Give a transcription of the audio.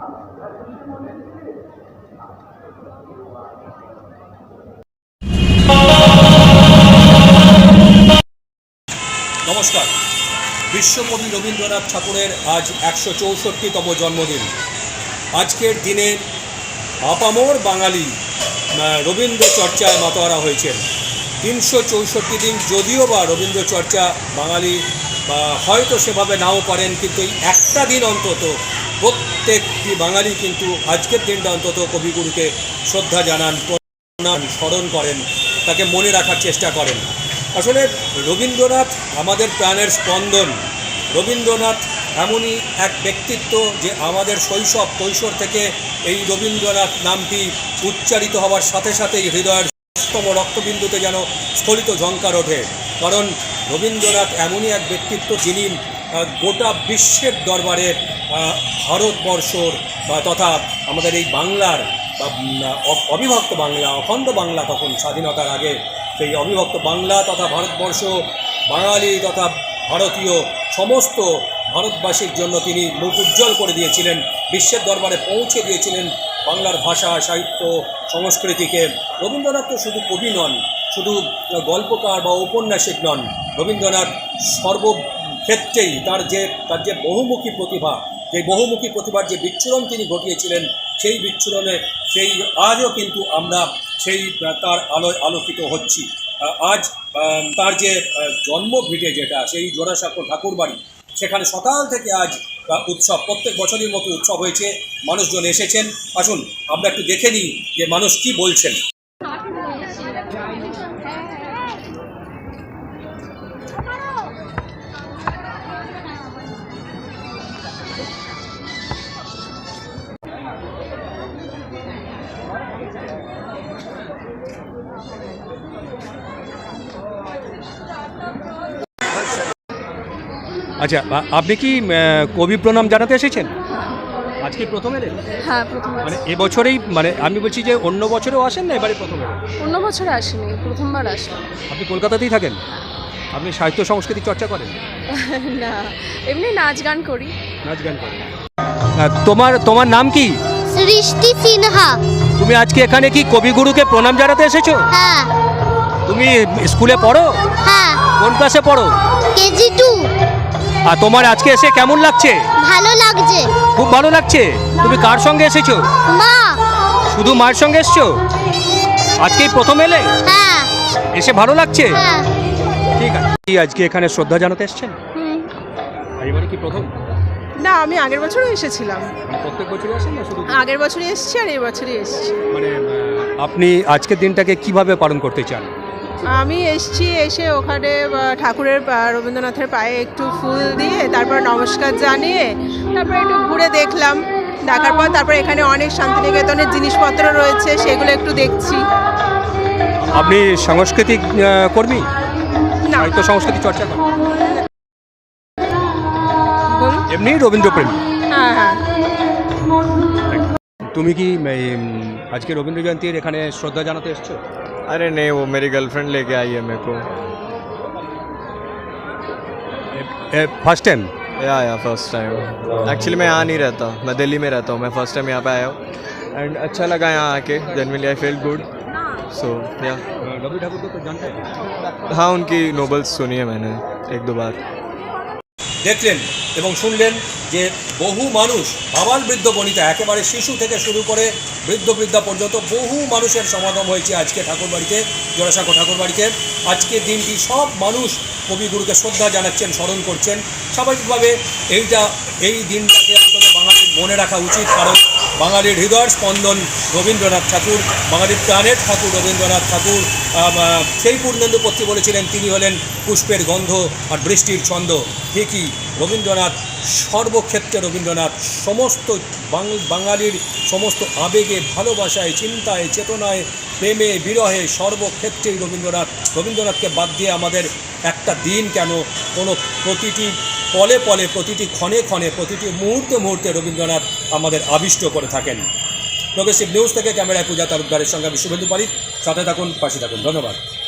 নমস্কার। বিশ্বকবি রবীন্দ্রনাথ ঠাকুরের আজ ১৬৪তম জন্মদিন। আজকের দিনে আপামর বাঙালি রবীন্দ্র চর্চায় মাতোয়ারা হয়েছেন। ৩৬৪ দিন যদিও বা রবীন্দ্র চর্চা বাঙালি হয়তো সেভাবে নাও পারেন, কিন্তু এই একটা দিন অন্তত প্রত্যেকটি বাঙালি কিন্তু আজকের দিনটা অন্তত কবিগুরুকে শ্রদ্ধা জানান, স্মরণ করেন, তাকে মনে রাখার চেষ্টা করেন। আসলে রবীন্দ্রনাথ আমাদের প্রাণের স্পন্দন। রবীন্দ্রনাথ এমনই এক ব্যক্তিত্ব যে আমাদের শৈশব কৈশোর থেকে এই রবীন্দ্রনাথ নামটি উচ্চারিত হওয়ার সাথে সাথেই হৃদয়ের স্তম রক্তবিন্দুতে যেন স্খলিত ঝঙ্কার ওঠে। কারণ রবীন্দ্রনাথ এমনই এক ব্যক্তিত্ব যিনি গোটা বিশ্বের দরবারে ভারতবর্ষর তথা আমাদের এই বাংলার অবিভক্ত বাংলা, অখণ্ড বাংলা, তখন স্বাধীনতার আগে সেই অবিভক্ত বাংলা তথা ভারতবর্ষ, বাঙালি তথা ভারতীয় সমস্ত ভারতবাসীর জন্য তিনি মুখ উজ্জ্বল করে দিয়েছিলেন, বিশ্বের দরবারে পৌঁছে দিয়েছিলেন বাংলার ভাষা, সাহিত্য, সংস্কৃতিকে। রবীন্দ্রনাথ তো শুধু কবি নন, শুধু গল্পকার বা ঔপন্যাসিক নন। রবীন্দ্রনাথ সর্বক্ষেত্রেই তার যে বহুমুখী প্রতিভা, যে বহুমুখী প্রতিভার যে বিচ্ছুরণ তিনি ঘটিয়েছিলেন, সেই বিচ্ছুরণে সেই আজও কিন্তু আমরা সেই তার আলোয় আলোকিত হচ্ছি। আজ তার যে জন্মভিটে যেটা, সেই জোড়াসাঁকো ঠাকুরবাড়ি, সেখানে সকাল থেকে আজ উৎসব, প্রত্যেক বছরের মতো উৎসব হয়েছে, মানুষজন এসেছেন। আসুন আমরা একটু দেখে নিই যে মানুষ কি বলছেন। আচ্ছা, আপনি কি কবি প্রণাম জানাতে এসেছেন? আজকে প্রথম এলেন? হ্যাঁ, প্রথম। মানে এবছরেই, মানে আমি বলছি যে অন্য বছরেও আসেন না, এবারে প্রথম এলেন? অন্য বছরে আসেনি, প্রথমবার আসলাম। আপনি কলকাতাতেই থাকেন? আপনি সাহিত্য সংস্কৃতি চর্চা করেন? না, এমনি নাচ গান করি। নাচ গান করেন। তোমার নাম কি? সৃষ্টি সিনহা। তুমি আজকে এখানে কি কবিগুরুকে প্রণাম জানাতে এসেছো? হ্যাঁ। তুমি স্কুলে পড়ো? হ্যাঁ। কোন ক্লাসে পড়ো? কেজি 2। আর তোমার আজকে এসে কেমন লাগছে? ভালো লাগছে। খুব ভালো লাগছে। তুমি কার সঙ্গে এসেছো? মা। শুধু মায়ের সঙ্গে এসেছো? আজকেই প্রথম এলে? হ্যাঁ। এসে ভালো লাগছে? হ্যাঁ। ঠিক আছে। আজকে এখানে শ্রদ্ধা জানাতে এসেছেন? এবারে কি প্রথম? না, আমি আগের বছরও এসেছিলাম। প্রত্যেক বছরই আসেন না শুধু? আগের বছরই এসেছি আর এই বছরই এসেছি। মানে আপনি আজকের দিনটাকে কিভাবে পালন করতে চান? আমি এসে ওখানে ঠাকুরের রবীন্দ্রনাথের পায়ে একটু ফুল দিয়ে তারপর নমস্কার জানিয়ে তারপর একটু ঘুরে দেখলাম। দেখার পর তারপর এখানে অনেক শান্তিনিকেতনের জিনিসপত্র রয়েছে, সেগুলো একটু দেখছি। আপনি সাংস্কৃতিক কর্মী? না, সাহিত্য সংস্কৃতি চর্চা করেন? এমনি রবীন্দ্রপ্রেমী? হ্যাঁ হ্যাঁ। তুমি কি আজকে রবীন্দ্র জয়ন্তীর এখানে শ্রদ্ধা জানাতে এসছো? अरे नहीं, वो मेरी गर्लफ्रेंड लेके आई है मेरे को। First time? या फर्स्ट टाइम। एक्चुअली मैं यहाँ नहीं रहता, मैं दिल्ली में रहता हूँ। मैं फर्स्ट टाइम यहाँ पे आया हूँ एंड अच्छा लगा यहाँ आके। Generally I feel good. So या रवि ठाकुर को तो जानते हैं? हाँ, उनकी नोवेल्स सुनी है मैंने 1-2 बार। দেখলেন এবং শুনলেন যে বহু মানুষ, আবাল বৃদ্ধ বনিতা, একেবারে শিশু থেকে শুরু করে বৃদ্ধ বৃদ্ধা পর্যন্ত বহু মানুষের সমাগম হয়েছে আজকে ঠাকুরবাড়িতে, জোড়াসাঁকো ঠাকুরবাড়িতে। আজকের দিনটি সব মানুষ কবিগুরুকে শ্রদ্ধা জানাচ্ছেন, স্মরণ করছেন। স্বাভাবিকভাবে এই দিনটাকে অন্তত বাঙালির মনে রাখা উচিত, কারণ বাঙালির হৃদয়ের স্পন্দন রবীন্দ্রনাথ ঠাকুর, বাঙালির প্রাণের ঠাকুর রবীন্দ্রনাথ ঠাকুর। সেই পূর্ণেন্দু পত্রী বলেছিলেন তিনি হলেন পুষ্পের গন্ধ আর বৃষ্টির ছন্দ। ঠিকই রবীন্দ্রনাথ সর্বক্ষেত্রে, রবীন্দ্রনাথ সমস্ত বাঙালির সমস্ত আবেগে, ভালোবাসায়, চিন্তায়, চেতনায়, প্রেমে, বিরহে সর্বক্ষেত্রেই রবীন্দ্রনাথকে বাদ দিয়ে আমাদের একটা দিন কেন, কোনো প্রতিটি পলে পলে, প্রতিটি ক্ষণে ক্ষণে, প্রতিটি মুহূর্তে মুহূর্তে রবীন্দ্রনাথ আমাদের আবিষ্ট করে থাকেন। প্রগ্রেসিভ নিউজ থেকে ক্যামেরায় পূজা তালুকদারের সঙ্গে আমি শুভেন্দু পারিক। সাথে থাকুন, পাশে থাকুন। ধন্যবাদ।